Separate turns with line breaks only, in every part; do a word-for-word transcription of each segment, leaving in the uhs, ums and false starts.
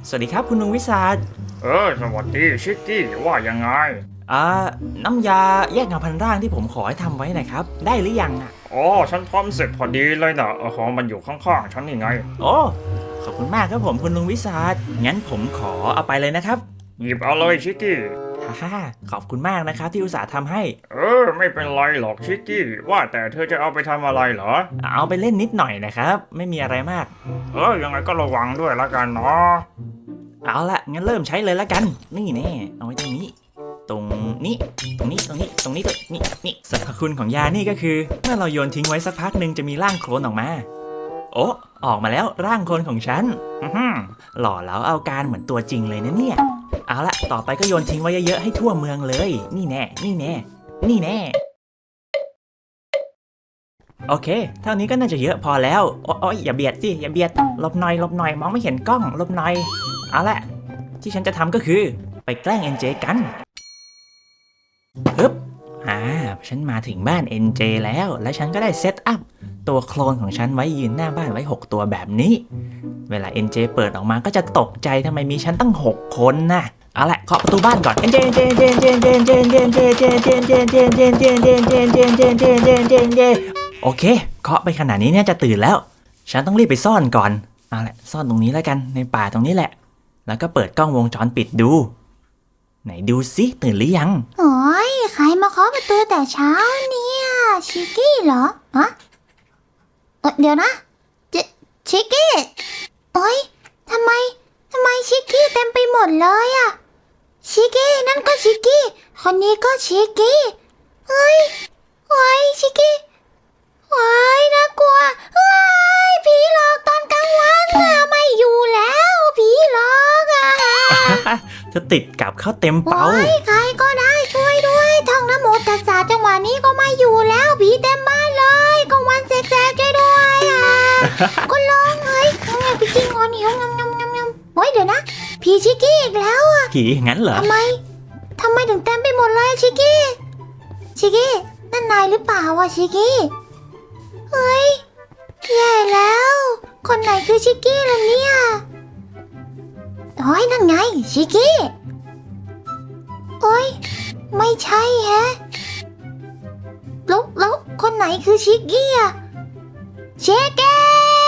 สวัสดีครับคุณลุงวิสาท
เออสวัสดีชิกกี้ว่ายังไง
อ่าน้ำยาแยกเงาพันร่างที่ผมขอให้ทำไว้นะครับได้หรือยังอ่ะ
อ๋อฉันทำเสร็จพอดีเลยนะเออมันอยู่ข้างๆฉันนี่ไง
โอ้ขอบคุณมากครับผมคุณลุงวิสาทงั้นผมขอเอาไปเลยนะครับ
หยิบเอาเลยชิกกี้
ฮ่าขอบคุณมากนะครับที่อุตส่าห์ทำให้
เออไม่เป็นไรหรอกชิกกี้ว่าแต่เธอจะเอาไปทำอะไรเหรอ
เอาไปเล่นนิดหน่อยนะครับไม่มีอะไรมาก
เออยังไงก็ระวังด้วยละกันเนาะ
เอาละงั้นเริ่มใช้เลยละกันนี่แน่เอาไว้ตรงนี้ตรงนี้ตรงนี้ตรงนี้ตรงนี้ตรงนี้นี่สรรพคุณของยานี่ก็คือเมื่อเราโยนทิ้งไว้สักพักหนึ่งจะมีร่างโคลนออกมาโอ้ออกมาแล้วร่างโคลนของฉันหล่อแล้วเอาการเหมือนตัวจริงเลยนะเนี่ยเอาละต่อไปก็โยนทิ้งไว้เยอะๆให้ทั่วเมืองเลยนี่แน่นี่แน่นี่แน่โอเคเท่านี้ก็น่าจะเยอะพอแล้วโอ๊ยอย่าเบียดสิอย่าเบียดหลบหน่อยหลบหน่อยมองไม่เห็นกล้องหลบหน่อยเอาละที่ฉันจะทำก็คือไปแกล้ง เอ็น เจ กันฮึบอ่าฉันมาถึงบ้าน เอ็น เจ แล้วและฉันก็ได้เซตอัพตัวโคลนของฉันไว้ยืนหน้าบ้านไว้หกตัวแบบนี้เวลา เอ็น เจ เปิดออกมาก็จะตกใจทำไมมีฉันตั้งหกคนนะเอาละเคาะประตูบ้านก่อน เอ็น เจ เอ็น เจ เอ็น เจ เอ็น เจ เอ็น เจ เอ็น เจ เอ็น เจ เอ็น เจ เอ็น เจ เอ็น เจ เอ็น เจ เอ็น เจ เอ็น เจ เอ็น เจ เอ็น เจ เอ็น เจ เอ็น เจ เอ็น เจ เอ็น เจ โอเคเคาะไปขนาดนี้เนี่ยจะตื่นแล้วฉันต้องรีบไปซ่อนก่อนเอาละซ่อนตรงนี้แล้วกันในป่าตรงนี้แหละแล้วก็เปิดกล้องวงจรปิดดูไหนดูสิตื่นหรือยัง
โอ้ยใครมาเคาะประตูแต่เช้าเนี่ยชิกกี้เหรอฮะเออเดี๋ยวนะเจชิกกี้โอ้ยทำไมทำไมชิกกี้เต็มไปหมดเลยอะชิกกี้นั่นก็ชิกกี้คนนี้ก็ชิกกี้เฮ้ยโอ้ยชิกกี้โอ้ยน่ากลัวเฮ้ยผีหลอกตอนกลางวันอะไม่อยู่แล้วผีหลอกอะ
จะติดกับเข้าเต็มเป้า
โอ้ยใครก็ได้ช่วยด้วยท่องนะโมตัสสะจังหวะนี้ก็ไม่อยู่แล้วผีเต็มบ้านเลยกลางวันแสกๆช่วยด้วยอ่ะ ก็ร้องเฮ้ยทำไงพี่จริงคนหิวงำงำงำงำเฮ้ยเดี๋ยวนะผีชิกกี้อีกแล้วอ่ะ
ผีงั้นเหรอ
ทำไมทำไมถึงเต็มไปหมดเลยชิกกี้ชิกกี้นั่นนายหรือเปล่าวะชิกกี้เฮ้ยแย่แล้วคนไหนคือชิกกี้ล่ะเนี่ยโอ้ยนั่นไงชิกกี้โอ้ยไม่ใช่แฮะแล้วแล้วคนไหนคือชิกกี้อะเชกเก้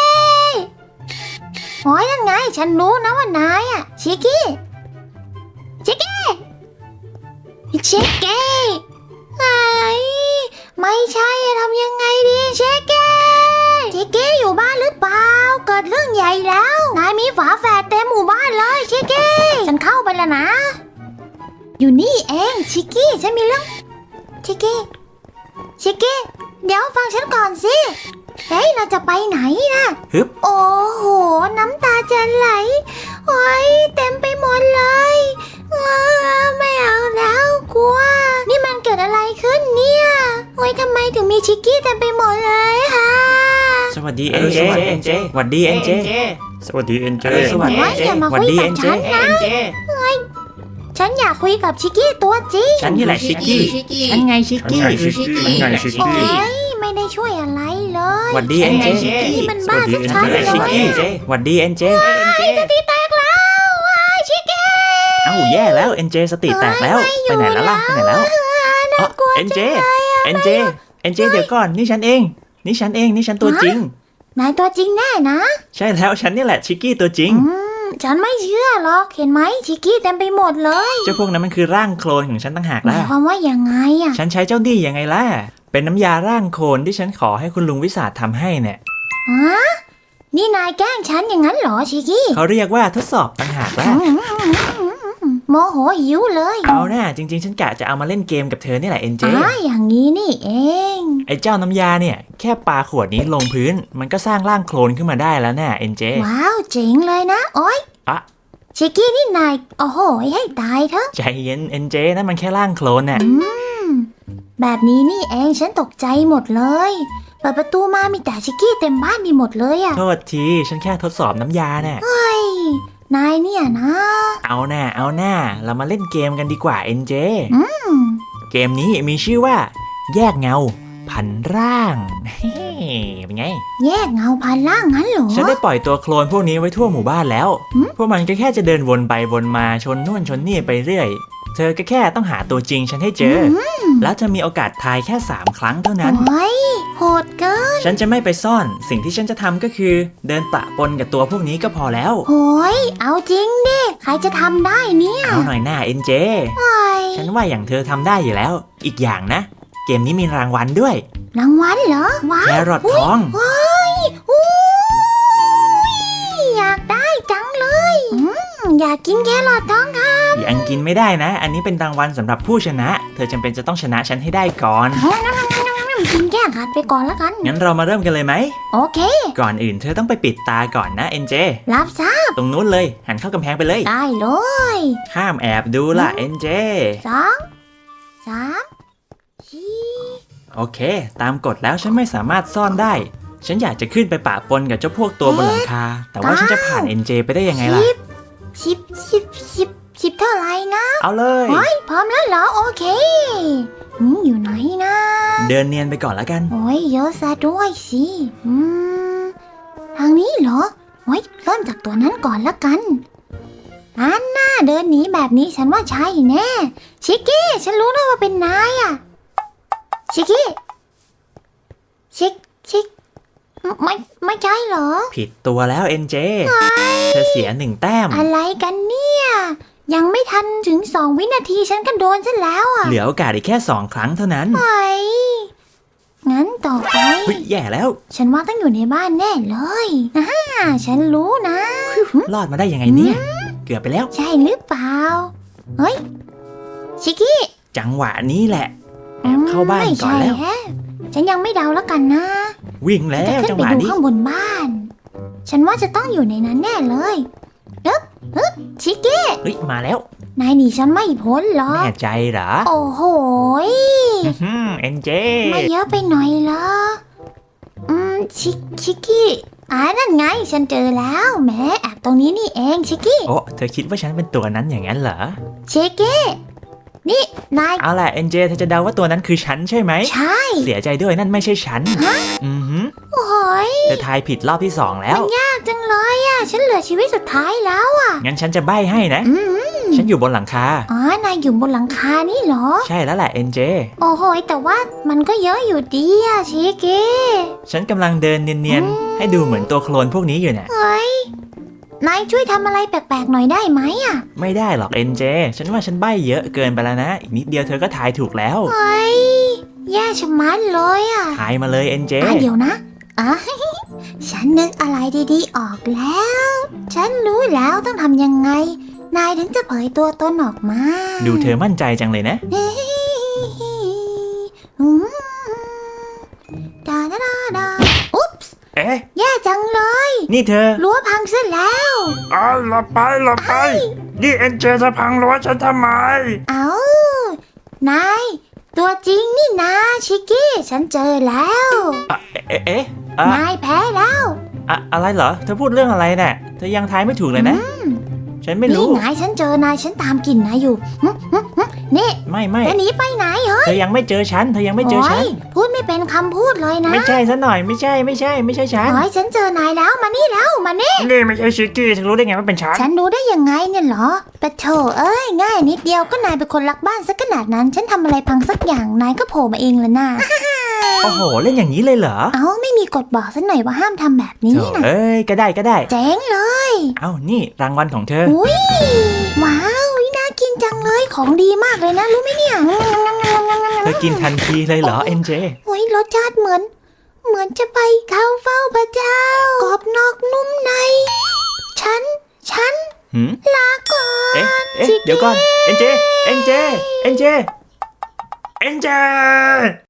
โอ้ยนั่นไงฉันรู้นะว่านายอะชิกกี้เชกเก้เชกเก้ไอ้ไม่ใช่ทำยังไงดีเชกเก้เชกเก้อยู่บ้านหรือเปล่าเกิดเรื่องใหญ่แล้วนายมีฝาแฝดเต็มหมู่บ้านเลยเชกเก้ฉันเข้าไปแล้วนะอยู่นี่เองชิกกี้ฉันมีเรื่องชิกกี้ชิกกี้เดี๋ยวฟังฉันก่อนสิเฮ้ยเราจะไปไหนนะ
ฮึบ
โอ้โหน้ำตาจะไหลโอ้ยเต็มไปหมดเลยไม่เอาแล้วกลัวนี่มันเกิดอะไรขึ้นเนี่ยโอ้ยทำไมถึงมีชิกกี้เต็มไปหมดเลยฮะ
สวัสดีเอ็นเจสวัสดีเอ็นเจ
สวัสดีเอ็นเจ
สวัสดีเอ็นเจสวัสดีเอ็นเจ
ฉันอยากคุยกับชิกกี้ตัวจริง
ฉันนี่แหละชิกกี้ฉันไงชิกกี้
ฉันไงชิกกี้
โอ้ยไม่ได้ช่วยอะไรเลย
สวัสดีเอ็นเจ
นี่มันบ้าชัดๆเลย
ชิกกี้สวัสดีเอ็นเจ
สติแตกแล้วชิกกี้
เอ้าแย่แล้วเอ็นเจสติแตกแล้วไปไหนแล้วล่ะไปไหนแล้วเอ็นเจเอ็นเจเอ็นเจเดี๋ยวก่อนนี่ฉันเองนี่ฉันเองนี่ฉันตัวจริง
นายตัวจริงแน่นะ
ใช่แล้วฉันนี่แหละชิกกี้ตัวจริง
ฉันไม่เชื่อหรอกเห็นไหมชิกกี้เต็มไปหมดเลย
เจ้าพวกนั้นมันคือร่างโคลนของฉันต่างหากล่ะ
หมายความว่ายังไงอ่ะ
ฉันใช้เจ้าดียังไงล่ะเป็นน้ำยาร่างโคลนที่ฉันขอให้คุณลุงวิสาททำให้เนี่ย
ฮะนี่นายแกล้งฉันอย่างนั้นเหรอชิกกี้
เขาเรียกว่าทดสอบต่างหากล่ะ
โมโหหิวเลย
เอาหน้าจริงๆฉันกะจะเอามาเล่นเกมกับเธอนี่แหละเอ็นเจ
อ๋ออย่างนี้นี่เอง
ไอ้เจ้าน้ำยาเนี่ยแค่ปาขวดนี้ลงพื้นมันก็สร้างร่างโคลนขึ้นมาได้แล้วน่ะเอ็นเจ
ว้าวเจ๋งเลยนะโอ๊ย
อะ
ชิกกี้นี่นายโอ้โหให้ตายเถอะ
ใจเย็นเอ็นเจนั่นมันแค่ร่างโคลนน่ะ
อืมแบบนี้นี่เองฉันตกใจหมดเลยเปิดประตูมามีแต่ชิกกี้เต็มบ้านมีหมดเลยอะ
โทษทีฉันแค่ทดสอบน้ำยาน่ะ
เฮ้ยนายเนี่ยนะ
เอาหน้าเอาหน้าเรามาเล่นเกมกันดีกว่าเอ็นเจ
อืม
เกมนี้มีชื่อว่าแยกเงาพันร่างเป็นไง
แยกเงาพันล่างงั้นเหรอ
ฉันได้ปล่อยตัวโคลนพวกนี้ไว้ทั่วหมู่บ้านแล้ว
หืม
พวกมันก็แค่จะเดินวนไปวนมาชนนู่นชนนี่ไปเรื่อย เธอก็แค่ต้องหาตัวจริงฉันให้เจอ แล้วจะมีโอกาสทายแค่สามครั้งเท่านั้น
โอ้ยโหดเกิน
ฉันจะไม่ไปซ่อน สิ่งที่ฉันจะทำก็คือ เดินปะปนกับตัวพวกนี้ก็พอแล้ว
โหยเอาจริงดิ ใครจะทำได้เนี่ย
เอาหน่อยหน้าเอ็นเจ
โอ้ย
ฉันว่าอย่างเธอทำได้อยู่แล้ว อีกอย่างนะ เกมนี้มีรางวัลด้วย
รางวัลเหรอ ว้า
แควรอททอง
ว้ายอู้ยอยากได้จังเลยอืมอยากกินแครอททองค่ะ
ยังกินไม่ได้นะ อันนี้เป็นรางวัลสำหรับผู้ชนะ เธอจำเป็นจะต้องชนะฉันให้ได้ก่อน
กินแก้ขัดไปก่อนแล้วกัน
งั้นเรามาเริ่มกันเลยไหม
โอเค
ก่อนอื่นเธอต้องไปปิดตาก่อนนะเอ็นเจ
รับทราบ
ตรงนู้นเลย หันเข้ากำแพงไปเลย
ได้เลย
ห้ามแอบดูล่ะเอ็นเจ
สองสามสี่
โอเค ตามกฎแล้วฉันไม่สามารถซ่อนได้ ฉันอยากจะขึ้นไปปะปนกับเจ้าพวกตัวบนหลังคา แต่ว่าฉันจะผ่านเอ็นเจไปได้ยังไงล่ะ
สิบสิบสิบสิบเท่าไหร่นะ
เอาเลย
เฮ้ยพร้อมแล้วเหรอ โอเคอืมอยู่ไหนนะ
เดินเนียนไปก่อนแล้วกัน
โอ้ยเยอะซะด้วยสิอืมทางนี้เหรอโอ้ยเริ่มจากตัวนั้นก่อนละกันอันน่าเดินหนีแบบนี้ฉันว่าใช่แน่ชิกกี้ฉันรู้แล้วว่าเป็นนายอะชิกกี้ชิกชิกไม่ไม่ใช่เหรอ
ผิดตัวแล้วเอ็นเจ เธอเสียหนึ่งแต้ม
อะไรกันเนี่ย ยังไม่ทันถึงสองวินาทีฉันก็โดนซะแล้วอ่ะ
เหลือโอกาสอีกแค่สองครั้งเท่านั้น
ไอ้งั้นต่อไป
เฮ้ยแย่แล้ว
ฉันว่าต้องอยู่ในบ้านแน่เลยอ่าฉันรู้นะ
รอดมาได้ยังไงเนี่ย เกือบไปแล้ว
ใช่หรือเปล่า เฮ้ย ชิคกี้
จังหวะนี้แหละ แอบเข้าบ้านก่อนแล้ว
ไม่ใช่ฮะฉันยังไม่เดาแล้วกันนะ
วิ่งแล้
จะ
ว
ขึ้
จั
น
ง
ไป
หวะ
ดู
นี้
ข้างบนบ้าน ฉันว่าจะต้องอยู่ในนั้นแน่เลยฮึบฮึบชิคกี้
เฮ้ยมาแล้ว
นายหนีฉันไม่พ้นหรอก
แน่ใจเหรอ
โอ้โหย
อื้อหือเอ็นเจ
ไม่เยอะไปหน่อยเหรอ อืม ชิคชิคกี้อ่านั่นไง ฉันเจอแล้วแหมแอบตรงนี้นี่เองชิคกี้
โอ้เธอคิดว่าฉันเป็นตัวนั้นอย่างนั้นเหรอเอาล่ะเอ็นเจเธอจะเดาว่าตัวนั้นคือฉันใช่ไหม
ใช่
เสียใจด้วยนั่นไม่ใช่ฉัน อือหือ
โอ้ย
เธอทายผิดรอบที่สองแล้ว
ยากจังเลยอ่ะ ฉันเหลือชีวิตสุดท้ายแล้วอ่ะ
งั้นฉันจะใบ้ให้นะ
อืม
ฉันอยู่บนหลังคา
อ๋อนายอยู่บนหลังคานี่เหรอ
ใช่แล้วแหละเอ็นเจ
โอ้โหยแต่ว่ามันก็เยอะอยู่ดีอ่ะชิคกี้
ฉันกำลังเดินเนียน
อืม
ๆ ให้ดูเหมือนตัวโคลนพวกนี้อยู่เนี่ย
เฮ้ย นายช่วยทำอะไรแปลกๆหน่อยได้ไหมอ่ะ
ไม่ได้หรอกเอ็นเจ ฉันว่าฉันใบ้เยอะเกินไปแล้วนะ อีกนิดเดียวเธอก็ทายถูกแล้ว
เฮ้ย แย่ชะมัดเลยอ่ะ
ทายมาเลยเอ็นเจ
อ่ะเดี๋ยวนะอ่ะ ฉันนึกอะไรดีๆออกแล้ว ฉันรู้แล้วต้องทำยังไง นายถึงจะเผยตัวตนออกมา
ดูเธอมั่นใจจังเลยนะ
อืมดาดาดาดาอุ๊บส์
เอ๊ะ
แย่จังเลย
นี่เธอ
รั้วพังซะแล้ว
อ้าวหลับไปหลับไป นี่เอ็นเจจะพังรั้วฉันทำไม
เอานาย ตัวจริงนี่นะชิกกี้ ฉันเจอแล้ว
อะเอ๊ะเอ๊ะอะ
นายแพ้แล้ว
อะอะไรเหรอ เธอพูดเรื่องอะไรเนี่ยเธอยังทายไม่ถูกเลยนะ ฉันไม่
นี่
รู้
นายฉันเจอนายฉันตามกลิ่นนายอยู่หึหึหึนี่
ไม่ไม่
จะหนีไปไหนเหรอ
เธอยังไม่เจอฉัน เธอยังไม่เจอฉัน
โยพูดไม่เป็นคำพูดเลยนะ
ไม่ใช่ซะหน่อย ไม่ใช่ ไม่ใช่ ไม่ใช่ฉัน
โอ้ยฉันเจอนายแล้วมานี่แล้วมานี่
นี่ไม่ใช่ชิกกี้เธอรู้ได้ไงว่าเป็นฉัน
ฉันรู้ได้ยังไงเนี่ยเหรอปะโถเอ้ยง่ายนิดเดียวก็นายเป็นคนรักบ้านสักขนาดนั้น ฉันทำอะไรพังสักอย่างนายก็โผล่มาเองละน่า
โอ้โห เล่นอย่างนี้เลยเหรอ
เอ้าไม่มีกฎบอกสักหน่อยว่าห้ามทำแบบนี้
โถ
นะ
เอ้ย ก็ได้ก็ได้
เจ๋งเลย
เอ้า นี่รางวัลของเธอ
อุ้ยว้าวน่ากินจังเลยของดีมากเลยนะรู้ไหมเนี่ย
เธอกินทันทีเลยเหรอเอ็นเจ
โอ้ยรสชาติเหมือน เหมือนจะไปเข้าเฝ้าพระเจ้ากรอบนอกนุ่มใน ฉัน ฉัน
หืม
ลาก่อน
เอ๊ะ เอ๊ะ เดี๋ยวก่อน เอ็นเจ เอ็นเจ เอ็นเจ เอ็นเจ